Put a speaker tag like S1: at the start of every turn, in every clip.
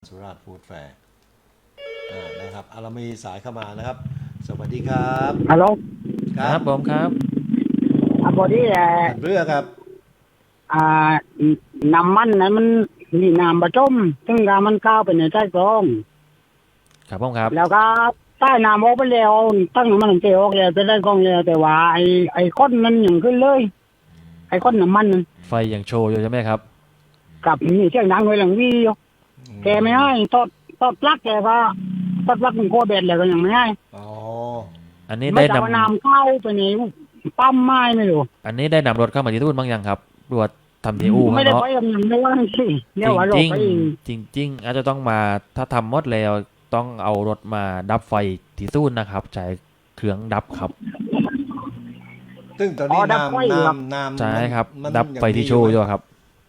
S1: สุราษฎร์ฟู้ดแฟร์นะครับเรามีสายเข้ามานะครับสวัสดีครับ
S2: ฮัลโหล
S3: ครับผมครับ
S2: พอดี
S1: ท่านเรือครับ
S2: อ่าน้ำมันนั้นมันมีน้ำประจมซึ่งน้ำมันเข้าไปในใต้กรอง
S3: ครับผมครับ
S2: แล้วก็ใต้น้ำออกไปแล้วตั้งน้ำมันเทออกแล้วจะได้กรองแล้วแต่ว่าไอ้ก้นนั้นยังขึ้นเลยไอ้ก้นน้ำมันนั้น
S3: ไฟยังโชว์อยู่ใช่ไหมครับ
S2: กับมีเสียงดังไว้หลังวีอยู่แกไม่ให้ตอดปลั๊กแกก็ตอดปลั๊กมันโคเบ็ดแล้วก็ยังไม่ให้
S1: อ๋อ
S3: อันนี้
S2: ไม่
S3: ได้
S2: จะเอาน้ำเข้าไปในปั๊มไม้ไม่รู้
S3: อันนี้ได้นำรถเข้ามาที่ตู้นบ้างยังครับรวจทำที่อู่
S2: ไม่ได้
S3: เนาะ
S2: ไปกับยังไม่ว่าสิเรียกว่าเรา
S3: จริง
S2: ไป
S3: จริงจริงๆอาจจะต้องมาถ้าทำหมดแล้วต้องเอารถมาดับไฟที่ตู้นนะครับใช้เครื่องดับครับ
S1: ซึ่งตอนนี้น้ำ
S3: ใช่ครับ
S1: มัน
S3: ดับไฟที่โชว์อยู่ครับ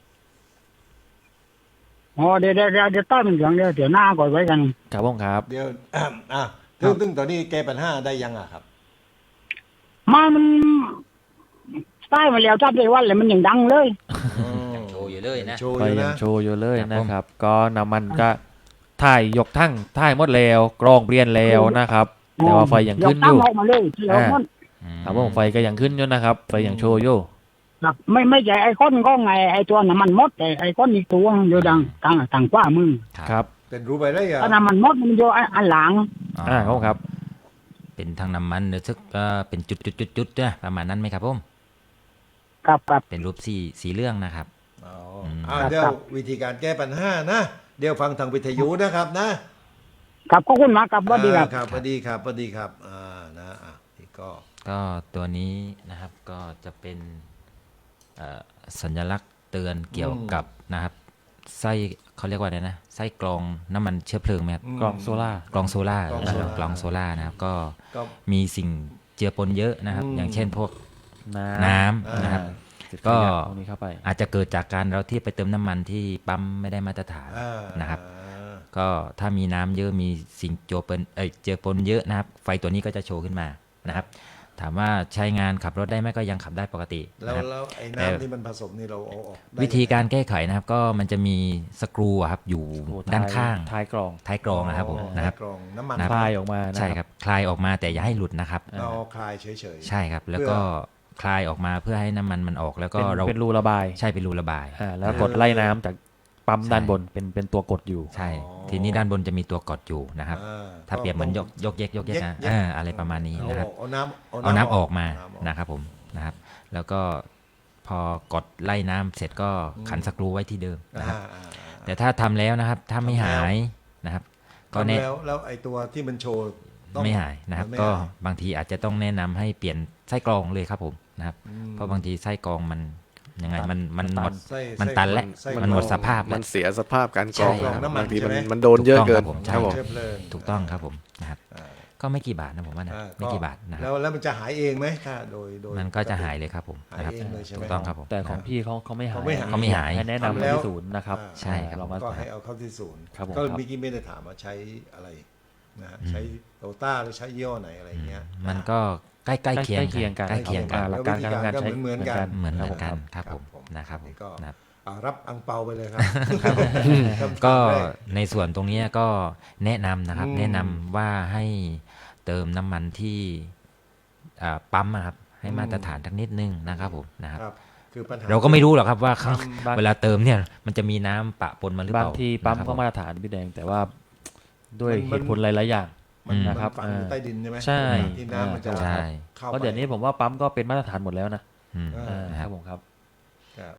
S2: อ๋อเดี๋ยวต้อนมันเดี๋ยวหน้าก่อนไว้กัน
S3: ครับผมครับ
S1: เดี๋ยวซึ่งตอนนี้แก้ปัญหาได้ยังครับ
S2: มันใต้มาแล้วจับได้วันเลยมันยังดังเลย
S4: ยังโชว์อยู่เลยนะ
S1: โชว์
S3: ไฟ
S1: อยู่
S3: ยัง
S1: นะ
S3: โชว์อยู่เลย
S4: ครับ
S3: นะครับ ก็น้ำมันก็ถ่ายยกทั้งถ่ายหมดแล้วกรองเปลี่ยนแล้วนะครับ แต่ว่าไฟยังขึ้นอยู่
S2: กตั้งออกมาเลยที่เรามัน
S3: ครับผมไฟก็ยังขึ้นอยู่นะครับไฟยังโชว์อยู่
S2: ครับไม่ใช่ไอ้ก้อนก็ไงไอ้ตัวน้ำมันมดไอ้ก้อนอีกตัวอยู่ดังต่างกว่ามึง
S3: ครับ
S1: เป็นรู้ไปได้ยัง
S2: ถ้าน้ำมันมดมันอยู่อันหลัง
S3: ครับผมครับ
S4: เป็นทางน้ำมันหรือซึกเป็นจุดๆๆนะประมาณนั้นไหมครับผม
S2: ครับ
S4: เป็นรูปสีเรื่องนะครับ
S1: เดี๋ยววิธีการแก้ปัญหานะเดี๋ยวฟังทางวิทยุนะครับนะครับ
S2: ขอบคุณมากครับสวัสดีครับ
S1: ครับสวัสดีครับสวัสดีครับนี่ก็
S4: ก็ตัวนี้นะครับก็จะเป็นสัญลักษณ์เตือนเกี่ยวกับนะครับไส้เขาเรียกว่าอะไรนะไส้กรองน้ำมันเชื้อเพลิงไหมครับ
S3: กล่องโซล่าก
S4: รองโซล่ากรองโซล่านะครับก็
S1: ก็
S4: มีสิ่งเจือปนเยอะนะครับ อย่างเช่นพวก
S3: น้ำ
S4: นะครับ
S3: ก็
S4: ก็
S3: ตรงนี้เข้าไป
S4: อาจจะเกิดจากการเราที่ไปเติมน้ำมันที่ปั๊มไม่ได้มาตรฐานนะครับ ก็ถ้ามีน้ำเยอะมีสิ่งเจือปนเยอะนะครับ ไฟตัวนี้ก็จะโชว์ขึ้นมานะครับ ถามว่าใช้งานขับรถได้ไหมก็ยังขับได้ปกติ
S1: แล้ว
S4: นะครับ
S1: ไอ้น้ำที่มันผสมนี่เราเอาออกได้
S4: วิธีการแก้ไขนะครับ ก็มันจะมีสกรูอะครับอยู่
S3: โอ้
S4: ด้านข้าง
S3: ท้ายกรอง
S4: ท้ายกรองนะครับผมนะครับ
S1: กรองน้ำมัน
S3: คลายออกมานะ
S4: ใช่ครับคลายออกมาแต่อย่าให้หลุดนะครับ
S1: เราคลายเฉยๆ
S4: ใช่ครับ แล้วก็คลายออกมาเพื่อให้น้ำมันออกแล้วก็
S3: เป็น
S4: เรา
S3: เป็นรูระบาย
S4: ใช่เป็นรูระบาย
S3: แล้วกดไล่น้ำจากปั๊ม
S4: ใช่
S3: ด้านบนเป็นตัวกดอยู่
S4: ใช่ ทีนี้ด้านบนจะมีตัวกดอยู่นะครับ ถ้าเปรียบเหมือนยกเยกนะอะไรประมาณนี้นะครับ เอาน้ำออกมานะครับผมนะครับ แล้วก็พอกดไล่น้ำเสร็จก็ขันสกรูไว้ที่เดิมนะครับ แต่ถ้าทำแล้วนะครับ ถ้าไม่หายนะครับ ก็
S1: ก็
S4: แนะ
S1: แล้วไอ้ตัวที่มันโชว์ต้อง
S4: ไม่หายนะครับ
S1: ไม่
S4: ก็
S1: หาย
S4: บางทีอาจจะต้องแนะนำให้เปลี่ยนไส้กรองเลยครับผมนะครับ เพราะบางทีไส้กรองมันยังไงมันหมด
S1: ไส้
S4: มันตันแล้ว
S1: ไส้
S4: มันหมดสภาพ
S5: มั
S4: แล้ว
S5: นเสียสภาพการกรอง
S4: ใช่
S5: นะครับ
S1: น้ำมัน
S5: บางที
S1: ใช่ไหม
S5: มันโดนเยอะเกิน
S4: ถูกต้อง
S5: ครับผม
S1: เชื้อเพลิง
S4: ถูกต้องครับผมนะครับ
S1: อ่า
S4: ก็ไม่กี่บาทนะผมว่านะไม่กี่บาทนะครับ
S1: แล้วมันจะหายเองไหมถ้าโดย
S4: มันก็จะหายเลยครับผมนะครับ
S1: หายเองเลยใช่ไหม
S4: ถูกต้องครับผม
S3: แต่ของพี่เขาไม่หาย
S4: เขาไม่หาย
S3: ให้แนะนำ
S1: ทำ
S3: ไป
S1: แล้ว
S3: ที่ศูนย์นะครับ
S4: ใช่ครับ
S3: ลองมา
S1: ก็ให้เอาเข้าที่ศูนย์
S3: ครับผม
S1: ก็
S3: ครับ
S1: เมื่อกี้ไม่ได้ถามว่าใช้อะไรนะฮะใช้โตต้าหรือใช้ยี่ห้อไหนอะไรเงี้ย
S4: มันก็ใกล้เคียงกัน
S3: ใกล้เคียงกัน
S4: ใกล้เคียงกัน
S3: หลักการการทำงานใช้
S1: เหมือนกัน
S4: เหมือน
S3: ครับ
S4: กัน
S3: ผม
S4: ครับผม
S1: ครับ
S4: นะครับ
S1: นี่ก็
S4: นะครับ
S1: รับอังเปาไปเลยครับ
S4: ก็ในส่วนตรงนี้ก็แนะนำนะครับ แนะนำว่าให้เติมน้ำมันที่ปั๊มนะครับ ให้มาตรฐานทักนิดนึงนะครับผมนะครับ
S1: ครับคือปัญหา
S4: เราก็ไม่รู้หรอกครับว่าข้าง
S3: บาง
S4: เวลาเติมเนี่ยมันจะมีน้ำปะปนมาหรือเป
S3: บาง
S4: ล่า
S3: ทีปั๊ม
S4: นะครับ
S3: ก็มาตรฐานพี่แดงแต่ว่าด้วย
S1: มัน
S3: เหตุผลหลายๆอย่าง
S1: มัน
S3: นะครับ
S1: ฝังอยู่ใต้ดินใช่ไหม
S3: ใช่
S1: ที่น้ำมันจะ
S4: ใช่
S1: เข้า
S3: เพราะ
S1: ไป
S3: เดี๋ยวนี้ผมว่าปั๊มก็เป็นมาตรฐานหมดแล้วนะ
S4: อืม
S1: อ่า
S3: ครับผมครับ